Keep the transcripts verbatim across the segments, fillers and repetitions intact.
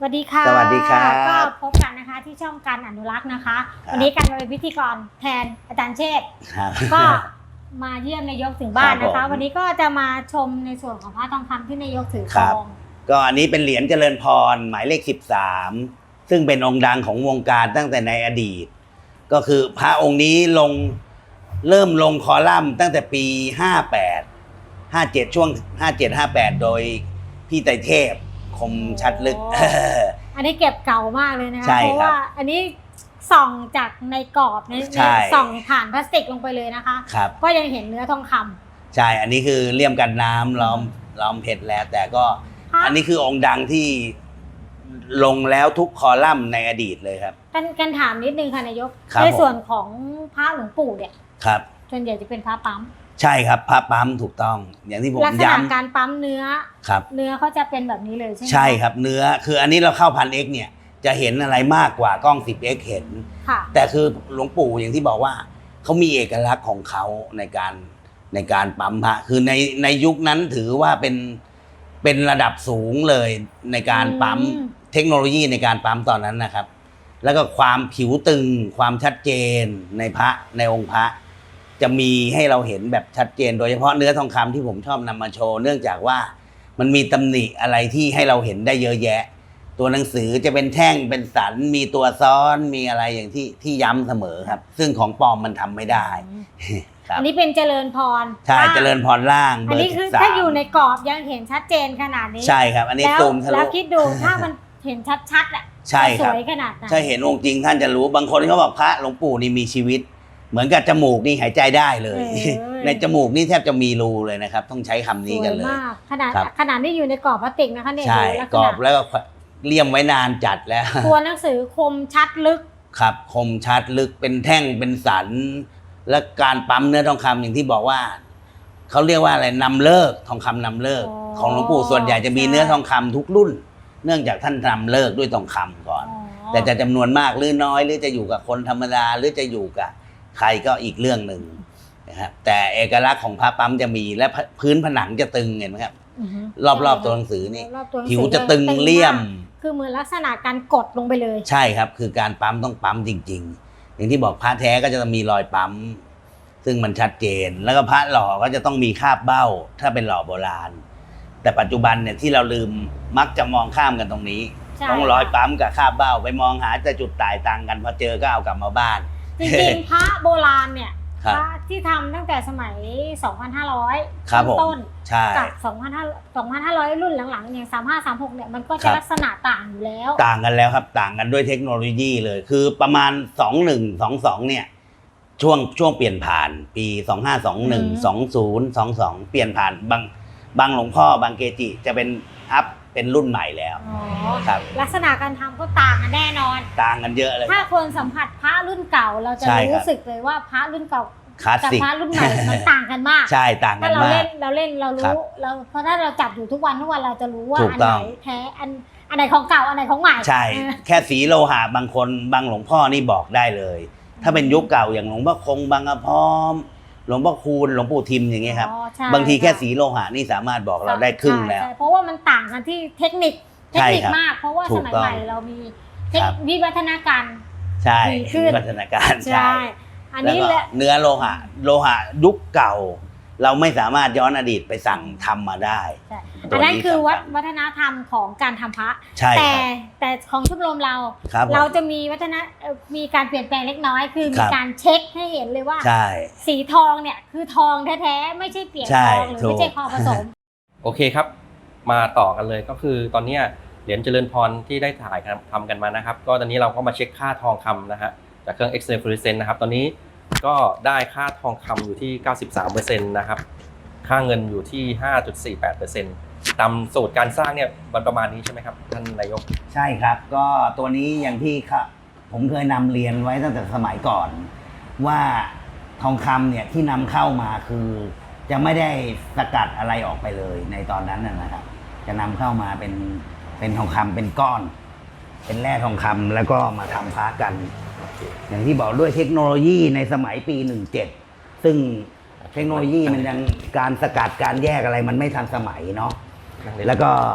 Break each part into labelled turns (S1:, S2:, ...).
S1: วัสดีค่ะ
S2: สวัสดีครับ
S1: ก็พบกันนะคะที่ช่องการอนุรักษ์นะคะวันนี้การมาเป็นพิธีกรแทนอาจารย์เชษฐ์ก็มาเยี่ยมนายกถึงบ้านนะคะวันนี้ก็จะมาชมในส่วนของพระทองคำที่นายกถือครอง
S2: ก็อันนี้เป็นเหรียญเจริญพรหมายเลขสิบสามซึ่งเป็นองค์ดังของวงการตั้งแต่ในอดีตก็คือพระองค์นี้ลงเริ่มลงคอลัมน์ตั้งแต่ปีห้าแปด ห้าเจ็ดช่วงห้าเจ็ด ห้าแปดโดยพี่ไตรเทพคมชัดลึก
S1: อันนี้เก็บเก่ามากเลยนะคะเพราะว่าอันนี้ส่องจากในกรอบในส่องผ่านพลาสติกลงไปเลยนะคะก็ยังเห็นเนื้อทองคำ
S2: ใช่อันนี้คือเลี่ยมกันน้ำล้อมล้อมเพชรแล้วแต่ก็อันนี้คือองค์ดังที่ลงแล้วทุกคอลัมน์ในอดีตเลยครับ
S1: กันกันถามนิดนึงค่ะนายกในส่วนของพระหลวงปู่เนี่ย
S2: ครับ
S1: ส่วนใหญ่จะเป็นพระปั๊ม
S2: ใช่ครับพระปั๊มถูกต้องอย่างที่ผมย้ำลักษณะ
S1: การปั๊มเนื้อ
S2: ครับ
S1: เนื้อเขาจะเป็นแบบนี้เลยใช่ไหม
S2: ใช่ครับเนื้อคืออันนี้เราเข้าพันเอ็กเนี่ยจะเห็นอะไรมากกว่ากล้อง สิบเอ็กซ์ เห็นแต่คือหลวงปู่อย่างที่บอกว่าเขามีเอกลักษณ์ของเขาในการในการปั๊มพระคือในในยุคนั้นถือว่าเป็นเป็นระดับสูงเลยในการปั๊มเทคโนโลยีในการปั๊มตอนนั้นนะครับแล้วก็ความผิวตึงความชัดเจนในพระในองค์พระจะมีให้เราเห็นแบบชัดเจนโดยเฉพาะเนื้อทองคำที่ผมชอบนำมาโชว์เนื่องจากว่ามันมีตำหนิอะไรที่ให้เราเห็นได้เยอะแยะตัวหนังสือจะเป็นแท่งเป็นสันมีตัวซ้อนมีอะไรอย่างที่ที่ย้ำเสมอครับซึ่งของปลอมมันทำไม่ได้
S1: อันนี้เป็นเจริญพร
S2: ใช่เจริญพรล่าง
S1: อันนี้คือถ้าอยู่ในกรอบยังเห็นชัดเจนขนาดนี้
S2: ใช่ครับอันนี้ซูมทะลุ
S1: แล้วคิดดูถ้ามันเห็นชัดๆอ่ะ
S2: ใช่ครับ
S1: สวยขนาดไหน
S2: ใช่เห็นองค์จริงท่านจะรู้บางคนเขาบอกพระหลวงปู่นี่มีชีวิตเหมือนกับจมูกนี่หายใจได้เลยในจมูกนี่แทบจะมีรูเลยนะครับต้องใช้คำนี้กันเลย
S1: ขนาดขนาดที่อยู่ในกรอบพลาสติกนะคะเนี่ย
S2: ใช่กรอบแล้วก็เลี่ยมไว้นานจัดแล้ว
S1: ตัวหนังสือคมชัดลึก
S2: ครับคมชัดลึกเป็นแท่งเป็นสันและการปั๊มเนื้อทองคำอย่างที่บอกว่าเขาเรียกว่าอะไรนำเลิกทองคำนำเลิกของหลวงปู่ส่วนใหญ่จะมีเนื้อทองคำทุกรุ่นเนื่องจากท่านนำเลิกด้วยทองคำก่อนแต่จะจำนวนมากหรือน้อยหรือจะอยู่กับคนธรรมดาหรือจะอยู่กับใครก็อีกเรื่องหนึ่งนะครับแต่เอกลักษณ์ของพระปั๊มจะมีและพื้นผนังจะตึงเห็นไหมครับรอบๆตัวหนังสือนี่ผิวจะตึงเลี่ยม
S1: คือเหมือนลักษณะการกดลงไปเลย
S2: ใช่ครับคือการปั๊มต้องปั๊มจริงๆอย่างที่บอกพระแท้ก็จะมีรอยปั๊มซึ่งมันชัดเจนแล้วก็พระหล่อก็จะต้องมีคาบเบ้าถ้าเป็นหล่อโบราณแต่ปัจจุบันเนี่ยที่เราลืมมักจะมองข้ามกันตรงนี้ต้องรอยปั๊มกับคาบเบ้าไปมองหาแต่จุดต่ายต่างกันพอเจอก็เอากลับมาบ้าน
S1: จริงๆพระโบราณเนี่ยพระที่ทำตั้งแต่สมัย สองพันห้าร้อย ต้นกับ สองพันห้าร้อย รุ่นหลังๆอย่างสามห้า สามหกเนี่ยมันก็จะลักษณะต่างอยู่แล้ว
S2: ต่างกันแล้วครับต่างกันด้วยเทคโนโลยีเลยคือประมาณสองพันหนึ่งร้อยยี่สิบสองเนี่ยช่วงช่วงเปลี่ยนผ่านปีสองพันห้าร้อยยี่สิบเอ็ด สองพัน สองสิบสองเปลี่ยนผ่านบางบางหลวงพ่อบางเกจิจะเป็นอัพเป็นรุ่นใหม่แล้ว
S1: ครับลักษณะการทำก็ต่างกันแน่นอน
S2: ต่างกันเยอะเลย
S1: ถ้าคนสัมผัสพระรุ่นเก่าเราจะรู้สึกเลยว่าพระรุ่นเก่ากับพระรุ่นใหม่มันต่างกันมาก
S2: ใช่ต่างกันมากถ้าเรา
S1: เล่นเราเล่นเรารู้เราเพราะถ้าเราจับอยู่ทุกวันทุกวันเราจะรู้ว่าอันไหนแท้อันอันไหนของเก่าอันไหนของใหม่
S2: ใช่แค่สีโลหะบางคนบางหลวงพ่อนี่บอกได้เลยถ้าเป็นยุคเก่าอย่างหลวงพ่อคงบางกระพร้อมหลวงพ่อคูณหลวงปู่ทิมอย่างเงี้ยครับบางทีแค่สีโลหะนี่สามารถบอกเราได้ครึ่งแล้ว
S1: เพราะว่ามันต่างกันที่เทคนิคเทคนิคมากเพราะว่าสมัยใหม่เรามีวิวัฒนาการ
S2: ใช่วิวัฒนาการใช่อันนี้แหละเนื้อโลหะโลหะยุคเก่าเราไม่สามารถย้อนอดีตไปสั่งทำมาได้
S1: อันนั้นคือวัฒนธรรมของการทำพระแต่แต่ของชมรมเราเราจะมีวัฒนมีการเปลี่ยนแปลงเล็กน้อยคือมีการเช็คให้เห็นเลยว่าสีทองเนี่ยคือทองแท้ๆไม่ใช่เปลี่ยนทองหรือไม่ใช่ทองผสม
S3: โอเคครับมาต่อกันเลยก็คือตอนนี้เหรียญเจริญพรที่ได้ถ่ายทำกันมานะครับก็ตอนนี้เราก็มาเช็คค่าทองคำนะฮะจากเครื่อง X-ray fluorescence นะครับตอนนี้ก็ได้ค่าทองคำอยู่ที่ เก้าสิบสามเปอร์เซ็นต์ นะครับค่าเงินอยู่ที่ ห้าจุดสี่แปดเปอร์เซ็นต์ ตามสูตรการสร้างเนี่ยมันประมาณนี้ใช่ไหมครับท่านนายก
S2: ใช่ครับก็ตัวนี้อย่างที่ผมเคยนำเรียนไว้ตั้งแต่สมัยก่อนว่าทองคำเนี่ยที่นำเข้ามาคือจะไม่ได้สกัดอะไรออกไปเลยในตอนนั้นนะครับจะนำเข้ามาเป็นเป็นทองคำเป็นก้อนเป็นแร่ทองคำแล้วก็มาทำพระกันอย่างที่บอกด้วยเทคโนโลยีในสมัยปีหนึ่งเจ็ดซึ่งเทคโนโลยีมันยังการสกัดการแยกอะไรมันไม่ทันสมัยเนาะแล้วก็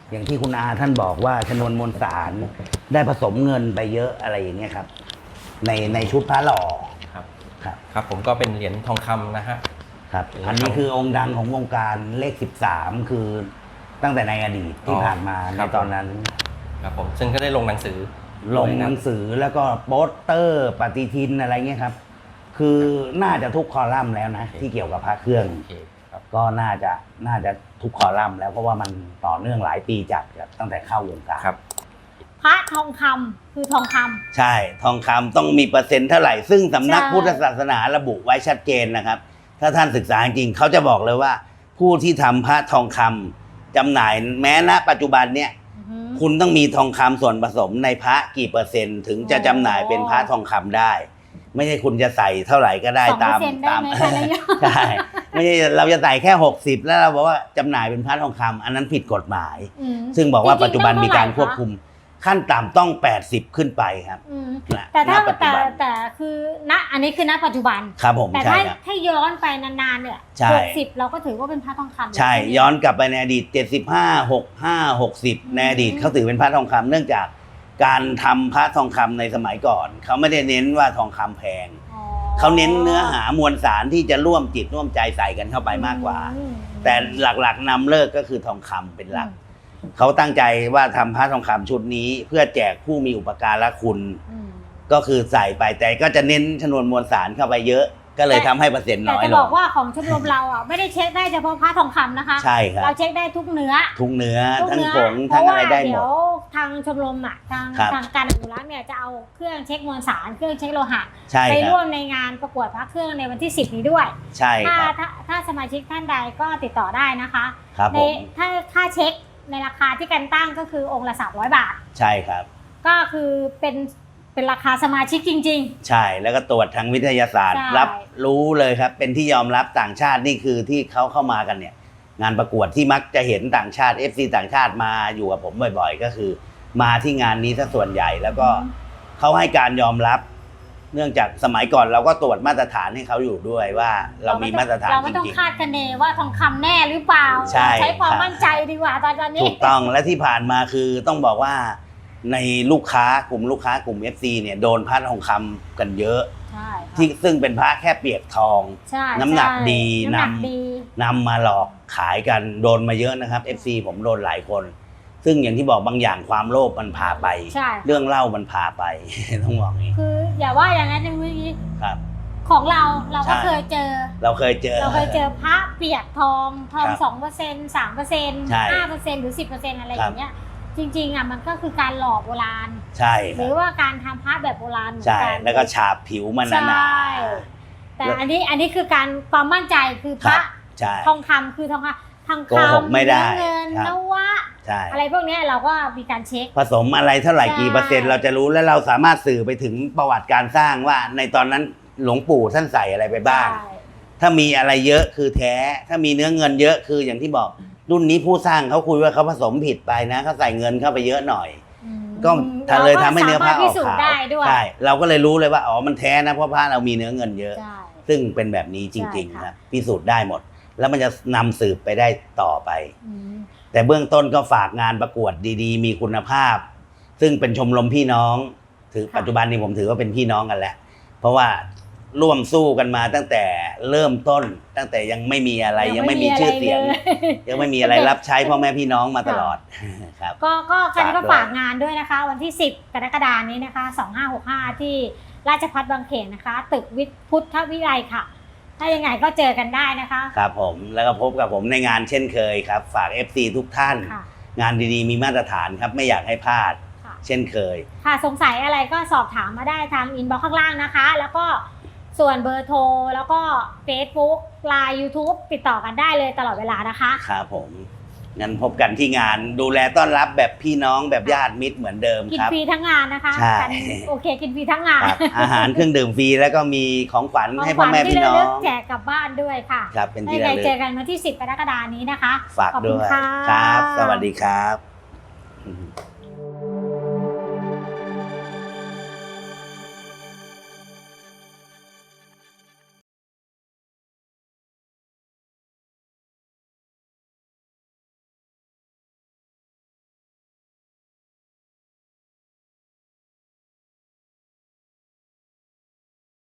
S2: อย่างที่คุณอาท่านบอกว่าชนวนมวลสารได้ผสมเงินไปเยอะอะไรอย่างเงี้ยครับในในชุดพระหล่อ
S3: ครับ
S2: ครับ
S3: ครับผมก็เป็นเหรียญทองคำนะฮะ
S2: ครับอันนี้คือองค์ดังของวงการเลขสิบสามคือตั้งแต่ในอดีตที่ผ่านมาในตอนนั้น
S3: ครับผมซึ่งก็ได้ลงหนังสือ
S2: ลงหนังสือแล้วก็โปสเตอร์ปฏิทินอะไรเงี้ยครับคือน่าจะทุกคอลัมน์แล้วนะที่เกี่ยวกับพระเครื่องก็น่าจะน่าจะทุกคอลัมน์แล้วเพราะว่ามันต่อเนื่องหลายปีจัดครับตั้งแต่เข้าวงการ
S3: ครับ
S1: พระทองคำคือทองคำ
S2: ใช่ทองคำต้องมีเปอร์เซ็นต์เท่าไหร่ซึ่งสำนัก
S1: ใช่
S2: พุทธศาสนาระบุไว้ชัดเจนนะครับถ้าท่านศึกษาจริงเขาจะบอกเลยว่า ผู้ที่ทำพระทองคำจำหน่ายแม้ณปัจจุบันเนี่ย
S1: อือฮึ
S2: คุณต้องมีทองคำส่วนผสมในพระกี่เปอร์เซ็นต์ถึงจะจำหน่ายเป็นพระทองคำได้ ไม่ใช่คุณจะใส่เท่าไหร่ก็ได้
S1: สองเปอ
S2: ตาม
S1: ร์เซ็นต์ได้
S2: ตาม
S1: ไหมคะนายก
S2: ใช่ไม่ใช่เราจะใส่แค่หกสิบแล้วเราบอกว่าจำหน่ายเป็นพระทองคำอันนั้นผิดกฎหมาย
S1: อืม
S2: ซึ่งบอกว่า
S1: จริงๆ
S2: ปัจจุบันมีการ
S1: ต้อง
S2: ควบคุมขั้นต่ำต้องแปดสิบขึ้นไปครับ
S1: อืม
S2: ณ
S1: แต่ถ้า
S2: ณปัจจุ
S1: แต่
S2: บัน
S1: แต่คือณอันนี้คือณปัจจุบัน
S2: ครับผม
S1: แต่
S2: ใช่
S1: ถ้า
S2: ครับ
S1: ถ้าย้อนไปนานๆเนี่ย
S2: ใช่
S1: หกสิบเราก็ถือว่าเป็นพระทองคำ
S2: ใช่
S1: ไหม
S2: ย้อนกลับไปในอดีตเจ็ดสิบห้า หกห้า หกสิบ
S1: อืม
S2: ในอดีตเขาถือเป็นพระทองคำเนื่องจากการทำพระทองคำในสมัยก่อน เขาไม่ได้เน้นว่าทองคำแพง
S1: อ๋อ
S2: เขาเน้นเนื้อหามวลสารที่จะร่วมจิตร่วมใจใส่กันเข้าไปมากกว่า
S1: อืม
S2: แต่หลักๆนำเลิกก็คือทองคำเป็นหลัก เขาตั้งใจว่าทำพระทองคำชุดนี้เพื่อแจกผู้มีอุปการะคุณ
S1: อืม
S2: ก็คือใส่ไปแต่ก็จะเน้นชนวนมวลสารเข้าไปเยอะ ก็เลยทำให้เปอร์เซ็นต์
S1: แต่
S2: น้อย
S1: จะ
S2: ล
S1: บอง กว่าของชมรมเราอ่ะไม่ได้เช็คได้เฉพาะพระทองคำนะคะ
S2: ใช่ครับ
S1: เราเช็คได้ทุกเนื้อ
S2: ทุกเนื้อ
S1: ทุก
S2: ทั้ง
S1: เนื้อ
S2: ผง
S1: เพ
S2: ทั้ง
S1: ราะ
S2: อะ
S1: ว่า
S2: ไรได้หม
S1: เดี๋ย
S2: ด
S1: วทางชมรมอ่ะทาง
S2: ครับ
S1: ทางการอนุรักษ์เนี่ยจะเอาเครื่องเช็คมวลสารเครื่องเช็คโลหะ
S2: ใช่
S1: ไป
S2: ครั
S1: ร่ว
S2: บ
S1: มในงานประกวดพระเครื่องในวันที่สิบนี้ด้วย
S2: ใช่
S1: ถ้า
S2: ครับ
S1: ถ้าถ้าสมาชิกท่านใดก็ติดต่อได้นะคะ
S2: ครับ
S1: ใน
S2: ผม
S1: ถ้าค่าเช็คในราคาที่กันตั้งก็คือองค์ละสามร้อยบาท
S2: ใช่ครับ
S1: ก็คือเป็นเป็นราคาสมาชิกจริง
S2: ใช่แล้วก็ตรวจทางวิทยาศาสตร์
S1: ใช่
S2: รับรู้เลยครับ เป็นที่ยอมรับต่างชาตินี่คือที่เขาเข้ามากันเนี่ย งานประกวดที่มักจะเห็นต่างชาติ เอฟ ซี ต่างชาติมาอยู่กับผมบ่อยๆ ก็คือ มาที่งานนี้ซะส่วนใหญ่แล้วก็เขาให้การยอมรับ เนื่องจากสมัยก่อนเราก็ตรวจมาตรฐานให้เขาอยู่ด้วยว่า
S1: ๆ
S2: เรามีมาตรฐาน
S1: เรา
S2: จ
S1: ไม่ต้อง
S2: ริง
S1: คาดคะเนว่าทองคำแน่หรือเปล่า
S2: ใช่
S1: ใช้ความ
S2: ครับ
S1: มั่นใจดีกว่าตอน
S2: ๆ
S1: นี้
S2: ถูกต้องและที่ผ่านมาคือต้องบอกว่าในลูกค้ากลุ่มลูกค้ากลุ่ม เอฟ ซี เนี่ยโดนพระทองคำกันเยอะ
S1: ใช่ค่ะ
S2: ที่ซึ่งเป็นพระแค่เปียกทอง
S1: ใช่
S2: น้ำหนัก
S1: ใช่
S2: ดี
S1: น้ำหนัก
S2: นำ
S1: ดี
S2: นำมาหลอกขายกันโดนมาเยอะนะครับ เอฟ ซี ผมโดนหลายคน ซึ่งอย่างที่บอกบางอย่างความโลภมันพาไป
S1: ใช่
S2: เรื่องเล่ามันพาไป ต้องบอกอย่างนี้
S1: คืออย่าว่าอย่างนั้นนะเมื่อกี้
S2: ครับ
S1: ของเราเราก็
S2: ใช่
S1: เคยเจอ
S2: เราเคยเจอ
S1: เราเคยเจอพระเปียกทองทอง
S2: ครับ
S1: สองเปอร์เซ็นต์สามเปอร์เซ็นต์
S2: ใช่
S1: ห้าเปอร์เซ็นต์หรือสิบเปอร์เซ็นต์อะไร
S2: ค
S1: อ
S2: รับ
S1: ย่างเงี้ยจริงๆอ่ะมันก็คือการหลอกโบราณ
S2: ใช่
S1: ห
S2: ค
S1: รื
S2: รับ
S1: อว่าการทำพระแบบโบราณเหมือน
S2: ใช่
S1: กัน
S2: แล้วก็ฉาบผิวมันหนา
S1: ใช่แต่อันนี้อันนี้คือการความมั่นใจคือ
S2: ๆ
S1: พ
S2: ครั
S1: ระ
S2: บใช่
S1: ทองคำคือทองคำทอง
S2: โกหก
S1: คำ
S2: ไม่ได้
S1: เงิน
S2: ครับ
S1: นวะ
S2: ใช่
S1: อะไรพวกเนี้ยเราก็มีการเช็ค
S2: ผสมอะไรเท่าไหร่
S1: ใช่
S2: กี่เปอร์เซ็นต์เราจะรู้และเราสามารถสื่อไปถึงประวัติการสร้างว่า ในตอนนั้นหลวงปู่ท่านใส่อะไรไปบ้าง
S1: ใช่
S2: ถ้ามีอะไรเยอะคือแท้ ถ้ามีเนื้อเงินเยอะคืออย่างที่บอกรุ่นนี้ผู้สร้างเขาคุยว่าเขาผสมผิดไปนะเขาใส่เงินเข้าไปเยอะหน่อย
S1: อืม
S2: ก็ทำเลยทำให้เนื้อผ้าอ
S1: พิ
S2: อก
S1: สูจ
S2: ขาว
S1: น์ได้ด้วย
S2: ใช่เราก็เลยรู้เลยว่าอ๋อมันแท้นะเพราะผ้าเรามีเนื้อเงินเยอะ
S1: ใช่
S2: ซึ่งเป็นแบบนี้จริง
S1: ใช่
S2: ๆ
S1: ค่ะ
S2: ครับพิสูจน์ได้หมด แล้วมันจะนำสืบไปได้ต่อไป
S1: อืม
S2: แต่เบื้องต้นก็ฝากงานประกวดดีๆ มีคุณภาพ ซึ่งเป็นชมรมพี่น้อง ถือปัจจุบันนี้ผมถือว่าเป็นพี่น้องกันแล้ว เพราะว่าร่วมสู้กันมาตั้งแต่เริ่มต้น ตั้งแต่ยังไม่มีอะไรยังไม่มีชื่อเสียง ยังไม่มีอะไรรับใช้พ่อแม่พี่น้องมาตลอดครับ
S1: ก็ก็กันก็
S2: ฝา
S1: ฝาก ก
S2: ด้วย
S1: งานด้วยนะคะ วันที่สิบกรกฎาคมนี้นะคะสองห้าหกห้าที่ราชภัฏบางเขนนะคะ ตึกวิทย์พุทธวิไลค่ะ ถ้ายังไงก็เจอกันได้นะคะ
S2: ครับผมแล้วก็พบกับผมในงานเช่นเคยครับ ฝาก เอฟ ซี ทุกท่าน
S1: ค่ะ
S2: งานดีๆ มีมาตรฐานครับไม่อยากให้พลาด
S1: ค่ะ
S2: เช่นเคย
S1: ค่ะสงสัยอะไรก็สอบถามมาได้ทางอินบ็อกซ์ข้างล่างนะคะ แล้วก็ส่วนเบอร์โทรแล้วก็ Facebook ไลน์ YouTube ติดต่อกันได้เลยตลอดเวลานะคะ
S2: ครับผมงั้นพบกันที่งานดูแลต้อนรับแบบพี่น้องแบบญาติมิตรเหมือนเดิม
S1: กิน
S2: ครับ
S1: ฟรีทั้งงานนะคะ
S2: ใช่
S1: กันโอเคกินฟรีทั้งงาน
S2: ครับอาหารเครื่องดื่มฟรีแล้วก็มีของขวัญ
S1: ของ
S2: ให้
S1: ข
S2: พ่อ
S1: วัญ
S2: แม่
S1: ที่
S2: พี่
S1: ระ
S2: น้อ
S1: ลึ
S2: ง
S1: กแจกกลับบ้านด้วยค่ะ
S2: ครับเป็นที่
S1: ยังไง
S2: ระลึก
S1: เจอกันวันที่สิบกรกฎาคมนี้นะคะ
S2: ฝาก
S1: ขอบ
S2: ด้
S1: คุณ
S2: วย
S1: ค่ะ
S2: ครับ สวัสดีครับ